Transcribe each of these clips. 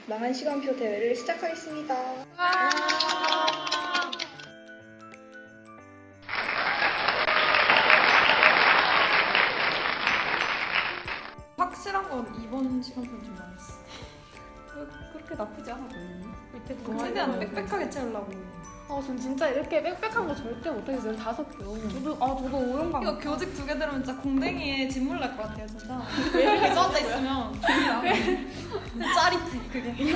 망한 시간표 대회를 시작하겠습니다. 확실한 건 이번 시간표는 좀 망했어. 그렇게 나쁘지 않아 보이네. 밑에 최대한 빽빽하게 채우려고. 전 진짜 이렇게 빽빽한 거 절대 못하겠어요. 5표. 저도 오용감. 이거 교직 2개 들으면 진짜 공댕이에 진물 날 것 같아요, 진짜. 왜 이렇게 써져 있으면 짜릿해, 그게.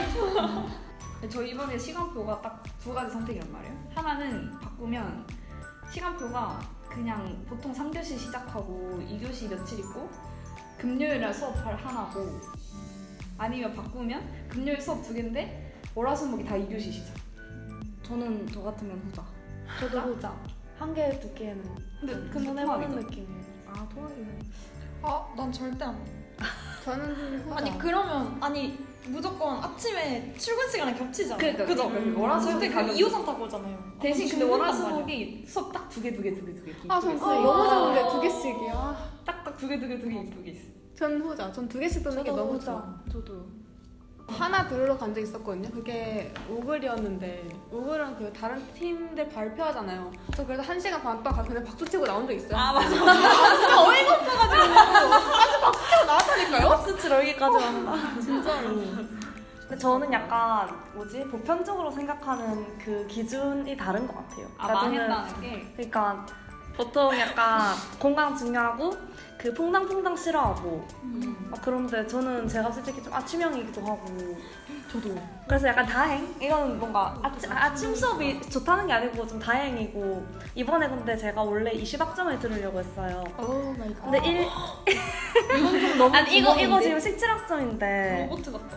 저 이번에 시간표가 딱 2가지 선택이란 말이에요. 하나는 바꾸면 시간표가 그냥 보통 3교시 시작하고 2교시 며칠 있고 금요일날 수업 하나고, 아니면 바꾸면 금요일 수업 2개인데 월화수목이 다 2교시 시작. 저는 저 같으면 후자. 저도 후자. 한 개, 2개는 근데 해보는 느낌이에요. 아, 통합이네. 난 절대 안 해. 저는 후자. 아니, 그러면, 무조건 아침에 출근 시간에 겹치잖아. 그러니까, 그죠? 월화수목이 절대 그 가면 2호선 타고 오잖아요. 대신 근데 죽는단 월화수목이 수업 딱 2개. 전 너무 좋은데 2개씩이야. 딱딱 2개 이쁘게 있어. 전 후자. 전 2개씩 듣는 게 너무 좋아. 저도. 하나 들으러 간 적 있었거든요. 그게 오글이었는데 오글은 그 다른 팀들 발표하잖아요. 저 그래서 1시간 반 동안 그냥 박수 치고 나온 적 있어요. 아, 맞아. 진짜 어이가 없어가지고 아주 박수 치고 나왔다니까요? 박수 치러 여기까지 왔나? 진짜로. 근데 저는 약간 보편적으로 생각하는 그 기준이 다른 것 같아요. 망했다는 게. 그러니까 보통 약간 건강 중요하고 그 퐁당퐁당 싫어하고 막 그런데 저는 제가 솔직히 좀 아침형이기도 하고 저도. 그래서 약간 다행? 이건 뭔가 아침 수업이 좋다는 게 아니고 좀 다행이고 이번에 근데 제가 원래 20학점을 들으려고 했어요. 오 마이 갓. 근데 이건 좀 너무 아니 이거 지금 17학점인데 로봇 같다.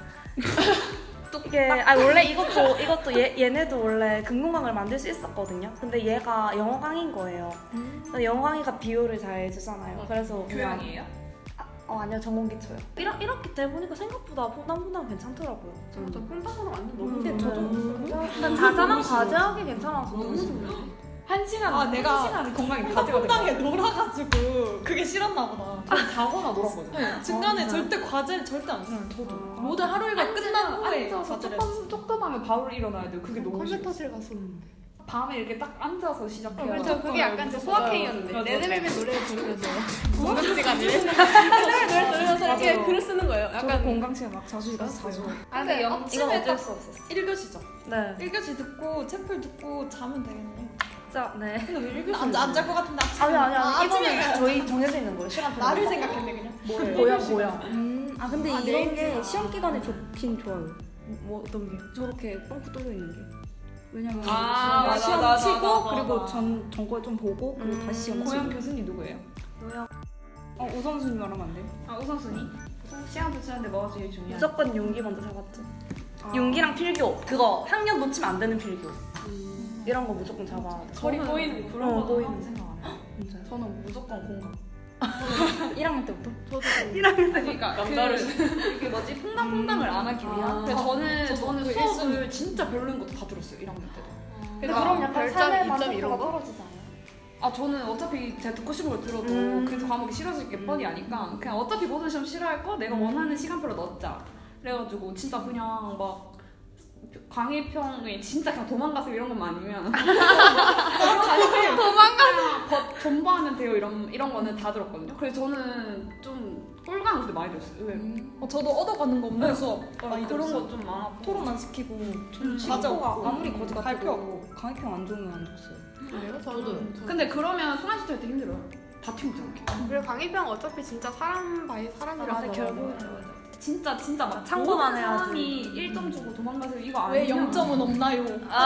이게 원래 이것도 얘네도 원래 금공강을 만들 수 있었거든요. 근데 얘가 영어 강의인 거예요. 근데 영어 강의가 비율을 잘 주잖아요. 그래서 그냥 교양이에요? 아니요, 전공 기초요. 이렇게 돼 보니까 생각보다 퐁당퐁당 괜찮더라고요. 저는. 저 콩탕으로 완전 너무 근데 좋아요. 일단 자잘한 과제하기 괜찮아서 너무 좋아요. 1시간, 내가 1시간은 건강이 가져가 퐁당에 놀아가지고 그게 싫었나 보다. 자거나 놀았거든요. 네, 중간에 절대 과제를 절대 안 써요. 저도. 모든 하루 일과 끝난 후에 앉아서 과제를 조금하면 바로 일어나야 돼요. 그게 너무 싫어. 컴퓨터실 갔었는데. 밤에 이렇게 딱 앉아서 시작해요. 그렇죠. 그게 약간 제 소확행이었는데. 맞아. 레드벨벳 노래를 들으면서 공강 시간에 레드벨벳 노래 들으면서 이렇게 맞아. 글을 쓰는 거예요. 약간 약간 공강 시간 막 자주 자주. 근데 이건 아침에 어쩔 딱 수 없었어. 1교시죠. 네. 1교시 듣고 채플 듣고 자면 되겠네. 진짜 네. 근데 왜 1교시 안잘 것 같은데 아침에. 아니 아침에 이거는 저희 정해져 있는 거예요. 시간 나를 생각했네 그냥. 뭐야. 근데 아, 이런 게 내일이야. 시험 기간에 좋긴 좋아요. 뭐 어떤 게? 저렇게 뻥크 뚫려 있는 게. 왜냐면 맞아, 시험 맞아, 치고 맞아, 그리고 맞아. 전거 좀 보고 그리고 다시 시험 고향 치고. 교수님 누구예요? 우선순위 말하면 안 돼요? 우선순위? 시간 붙이는데 뭐가 제일 중요해? 무조건 용기 먼저 잡았죠. 용기랑 필교 그거 학년 놓치면 안 되는 필교 이런 거 무조건 잡아야 돼. 거리 보이는 그런 거 보이는 생각 안 해요. 진짜요? 저는 무조건 공감. 1학년 때부터? 저도 그러니까 이게 뭐지 퐁당퐁당을 안 하기 위한. 근데 저는 수업을 진짜 별로인 것도 다 들었어요. 1학년 때도. 근데 그럼 약간 별점, 삶의 2점 이런 만족도가 거? 떨어지지 않아요? 저는 어차피 제가 듣고 싶은 걸 들어도 그 과목이 싫어질 게 뻔히 아니까 그냥 어차피 모든 시험 싫어할 거 내가 원하는 시간표로 넣자. 그래가지고 진짜 그냥 막 강의평에 진짜 그냥 도망가세요 이런 것만 아니면 도망가세요 전부하면 돼요 이런 거는 다 들었거든요. 그래서 저는 좀 꼴강 근데 많이 들었어요. 의외로. 저도 얻어가는 거 없는 수업 많이 그런 들었어요. 거 좀 많았고 토론 안 시키고 과제 과제 없고 아무리 거지 발표 같아도 강의평 안 좋으면 안 줬어요. 그래요? 저도. 근데 그러면 순환시켜 할때 힘들어요. 다 튀우잖아. 그리고 강의평 어차피 진짜 사람 바이 사람이라서 진짜 막 참고만 모든 해야지. 사람이 1점 주고 도망가세요 이거 왜 아니면 0점은 없나요?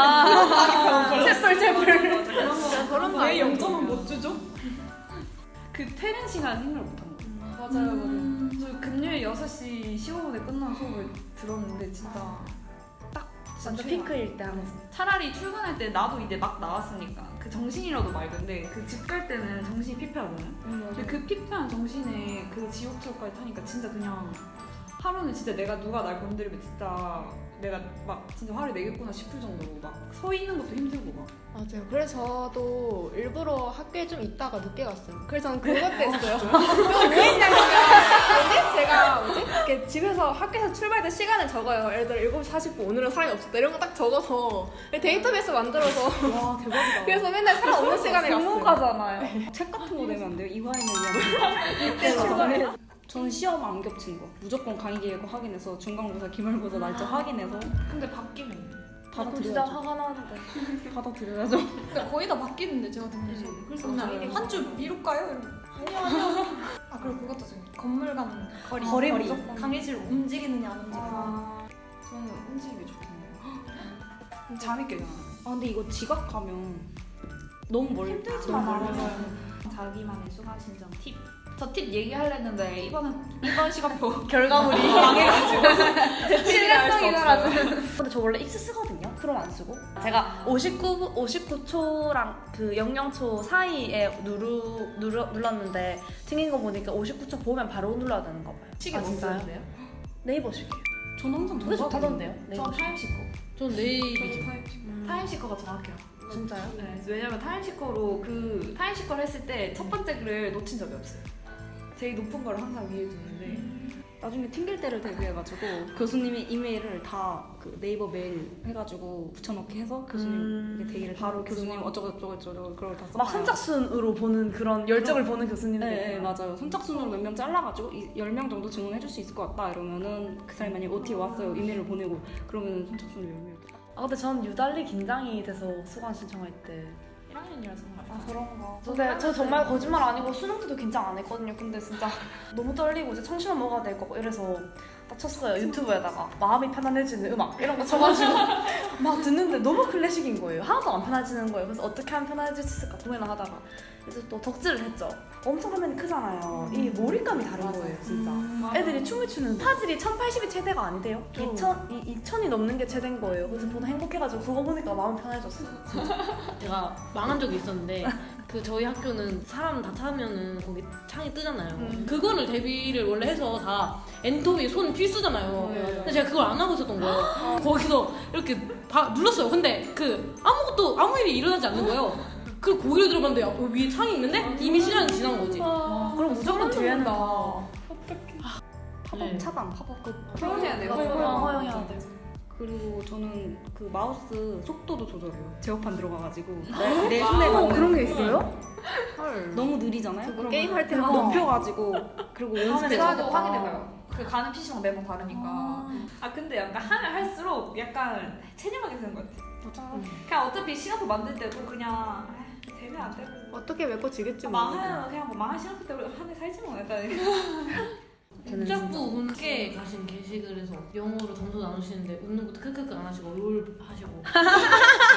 그런 거 왜 아니에요? 0점은 못 주죠? 그 퇴근 시간 생각을 못한 거예요. 맞아요. 저 금요일 6시 15분에 끝난 수업을 들었는데 진짜 딱 완전 최악. 피크일 때 항상. 차라리 출근할 때 나도 이제 막 나왔으니까 그 정신이라도 맑은데 그 집 갈 때는 정신이 피폐하잖아요. 근데 그 피폐한 정신에 그 지옥철까지 타니까 진짜 그냥 하루는 진짜 내가 누가 날 건드리면 진짜 내가 막 진짜 화를 내겠구나 싶을 정도로 막 서 있는 것도 힘들고 막. 맞아요. 그래서 저도 일부러 학교에 좀 있다가 늦게 갔어요. 그래서 저는 그것도 했어요. 왜 했냐면 제가 이렇게 집에서 학교에서 출발할 때 시간을 적어요. 예를 들어 7시 40분 오늘은 사람이 없었다 이런 거 딱 적어서 데이터베이스 만들어서 와 대박이다. 그래서 맨날 사람 없는 시간에 갔어요. 전문가잖아요. 책 같은 거 내면 안 돼요? 이화인을 위한 이때 출발해. 저는 시험 안 겹친 거. 무조건 강의 계획 확인해서 중간고사, 기말고사 날짜 확인해서 근데 바뀌면 진짜 받아들여야죠. 화가 나는데. 받아들여야죠. 근데 거의 다 바뀌는데 제가 듣면서 그래서 그냥 한 줄 미룰까요? 이러면 아니요. 아 그리고 그것도 좀 건물 간 거리 무조건. 강의실 움직이느냐 안 움직이느냐. 저는 움직이기 좋던데요. 잠이 깨잖아. 아 근데 이거 지각하면 너무 멀리 힘들지 너무 않아요. 멀리 자기만의 수강 신청 팁. 저 팁 얘기하려는데 이번 시간표 결과물이 망해가지고 신뢰성이 사라져. 근데 저 원래 익스 쓰거든요. 프롬 안 쓰고. 제가 59초랑 그 00초 사이에 눌렀는데 튕긴 거 보니까 59초 보면 바로 눌러야 되는 거 봐요. 시계 아, 못 진짜요? 쓰는데요? 네이버식이에요. 저는 항상 그게 좋다던데요? 저 타임시커. 전 네이비죠. 타임시커가 정확해요. 진짜요? 네, 왜냐면 타임시커로 그 타임시커를 했을 때 첫 번째 글을 놓친 적이 없어요. 제일 높은 걸 항상 위에 두는데 나중에 튕길 때를 대비해가지고 교수님이 이메일을 다 그 네이버 메일 해가지고 붙여넣기 해서 교수님 이게 대기를 바로 교수님 어쩌고저쩌고 그걸 다 써놔요. 막 선착순으로 보는 그런 열정을 보는 교수님들. 네, 맞아요. 선착순으로 몇 명 잘라가지고 10명 정도 증언해줄 수 있을 것 같다 이러면은 그 사람이 만약에 OT 왔어요 이메일을 보내고 그러면 선착순으로 10명. 아 근데 전 유달리 긴장이 돼서 수강 신청할 때. 1학년이라서 아 그런가. 근데 저 정말 거짓말 아니고 수능 때도 긴장 안 했거든요. 근데 진짜 너무 떨리고 이제 청심환 먹어야 될 거고 이래서 딱 쳤어요. 유튜브에다가 마음이 편안해지는 음악 이런 거 쳐가지고 막 듣는데 너무 클래식인 거예요. 하나도 안 편해지는 거예요. 그래서 어떻게 하면 편해질 수 있을까 고민을 하다가 그래서 또 덕질을 했죠. 엄청 화면이 크잖아요. 이 몰입감이 다른 거예요 진짜. 애들이 춤을 추는 화질이 1080이 최대가 아니대요. 2000이 넘는 게 최대인 거예요. 그래서 보다 행복해가지고 그거 보니까 마음이 편해졌어요. 제가 망한 적이 있었는데 그 저희 학교는 사람 다 타면은 거기 창이 뜨잖아요. 그거를 대비를 원래 해서 다 엔터비 손 필수잖아요. 근데 제가 그걸 안 하고 있었던 거예요. 거기서 이렇게 눌렀어요. 근데 그 아무 일이 일어나지 않는 거예요. 그 고개를 들어봤는데 위에 창이 있는데 이미 시간이 지난 거지. 그럼 무조건 뒤에는 다 팝업 차단 팝업 표현해야 돼요. 허용해야 돼. 그리고 저는 그 마우스 속도도 조절해요. 제어판 들어가가지고 내 손에 맞는 그런 게 있어요? 너무 느리잖아요. 그럼 게임할 때 그거 높여가지고 그리고 연습해서 확인해봐요. 그 가는 PC방 매번 다르니까. 아 근데 약간 하면 할수록 약간 체념하게 되는 것 같아. 그냥 어차피 시간표 만들 때도 그냥 되면 안 되고 어떻게 메꿔지겠지 뭐. 망하면 그냥 뭐 망한 시간표 때문에 한해 살지 뭐 약간. 국작부 분께 가신 게시글에서 영어로 점수 나누시는데 웃는 것도 크크크 안 하시고 롤 하시고